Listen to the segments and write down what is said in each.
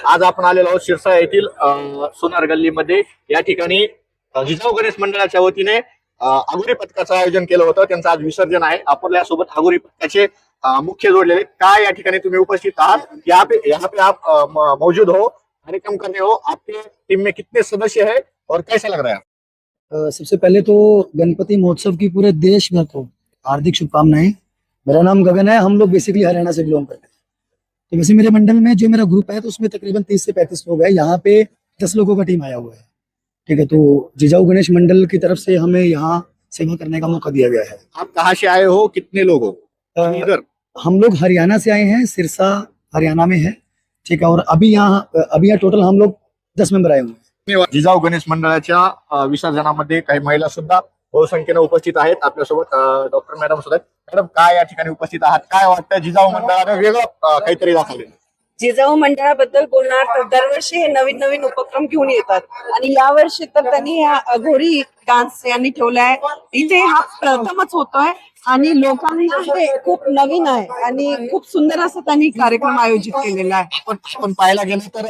आज आपण आलेलो आहोत शिरसाळ येथील सोनार गल्लीमध्ये। या ठिकाणी जिजाऊ गणेश मंडळाच्या वतीने आगोरी पथकाचं आयोजन केलं होतं। त्यांचं आज विसर्जन आहे। आपल्यासोबत आगोरी पथकाचे मुख्य जोडलेले काय या ठिकाणी तुम्ही उपस्थित आहात, यहाँ पे आप मौजूद हो, कार्यक्रम कर रहे हो। आपके टीम में कितने सदस्य है और कैसा लग रहा है? सबसे पहले तो गणपति महोत्सव की पूरे देश भर को हार्दिक शुभकामनाएं। मेरा नाम गगन है। हम लोग बेसिकली हरियाणा से बिलोंग करते हैं। तो वैसे मेरे मंडल में जो मेरा ग्रुप है तो उसमें तकरीबन 30 से 35 लोग हैं। यहाँ पे 10 लोगों का टीम आया हुआ है। ठीक है, तो जिजाऊ गणेश मंडल की तरफ से हमें यहाँ सेवा करने का मौका दिया गया है। आप कहाँ से आए हो, कितने लोग हो? इधर हम लोग हरियाणा से आए हैं, सिरसा हरियाणा में है। ठीक है, और अभी यहाँ टोटल हम लोग 10 मेंबर आए हुए हैं। जिजाऊ गणेश मंडळाच्या विसर्जनामध्ये काही महिला सुद्धा बहुसंख्येने उपस्थित आहेत। आपल्यासोबत डॉक्टर मॅडम सुद्धा आहेत। मॅडम, काय या ठिकाणी उपस्थित आहात? काय वाटतं जिजाऊ मंडळाने वेगळं काहीतरी दाखवले? जिजाऊ मंडळाबद्दल बोलणार तर दरवर्षी हे नवीन नवीन उपक्रम घेऊन येतात आणि यावर्षी तर त्यांनी हा अघोरी डान्स यांनी ठेवलाय। इथे हा प्रथमच होतोय आणि लोकांमध्ये खूप नवीन आहे आणि खूप सुंदर असं त्यांनी कार्यक्रम आयोजित केलेला आहे। आपण पाहायला गेलं तर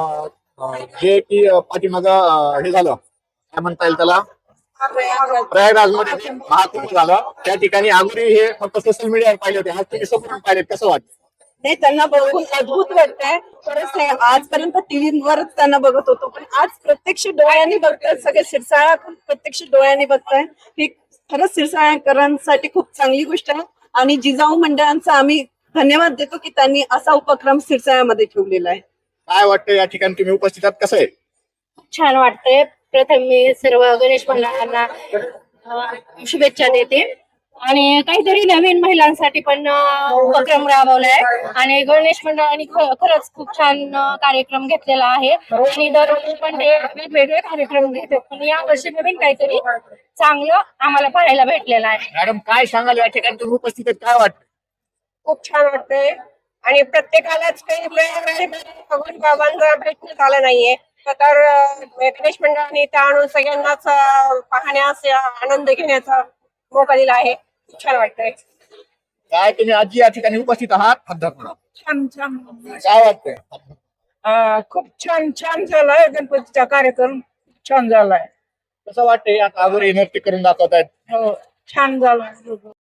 जे की पाठीमाग हे झालं, काय म्हणता येईल त्याला, प्रयागराजमध्ये महाकुंभ झालं, त्या ठिकाणी आगोरी हे फक्त सोशल मीडियावर पाहिले होते। आज तुम्ही समोरून पाहिले, कसं वाटतं? नाही, त्यांना बघून अद्भुत वाटतंय। खरंच नाही, आजपर्यंत टीव्हीवरच त्यांना बघत होतो, पण आज प्रत्यक्ष डोळ्यांनी बघताय। सगळे सिरसाळ्यातून प्रत्यक्ष डोळ्यांनी बघताय। ही खरंच सिरसाळ्याकरांसाठी खूप चांगली गोष्ट आहे आणि जिजाऊ मंडळांचा आम्ही धन्यवाद देतो की त्यांनी असा उपक्रम सिरसाळ्यामध्ये ठेवलेला आहे। काय वाटतं या ठिकाणी तुम्ही उपस्थित आहात, कसं आहे? छान वाटतंय। प्रथम मी सर्व गणेश मंडळांना शुभेच्छा देते आणि काहीतरी नवीन महिलांसाठी पण उपक्रम राबवलाय आणि गणेश मंडळाने खरंच खूप छान कार्यक्रम घेतलेला आहे आणि दरवर्षी पण ते वेगवेगळे कार्यक्रम घेतात, पण यावर्षी नवीन काहीतरी चांगलं आम्हाला पाहायला भेटलेलं आहे। मॅडम, काय सांगाल या ठिकाणी तुम्ही उपस्थित आहेत, काय वाटतं? खूप छान वाटतंय आणि प्रत्येकालाच काही भगवान बाबांना भेटण्यात आलं नाहीये, तर गणेश मंडळाने इथं आणून सगळ्यांनाच पाहण्यास आनंद घेण्याचा मौका दिला आहे। खूप छान वाटतंय। काय तुम्ही आजी या ठिकाणी उपस्थित आहात? छान छान काय वाटतंय? खूप छान छान झालाय। गणपतीचा कार्यक्रम छान झालाय। कसं वाटतंय? आता आगोरी नृत्य करून दाखवतायत। हो, छान झालाय।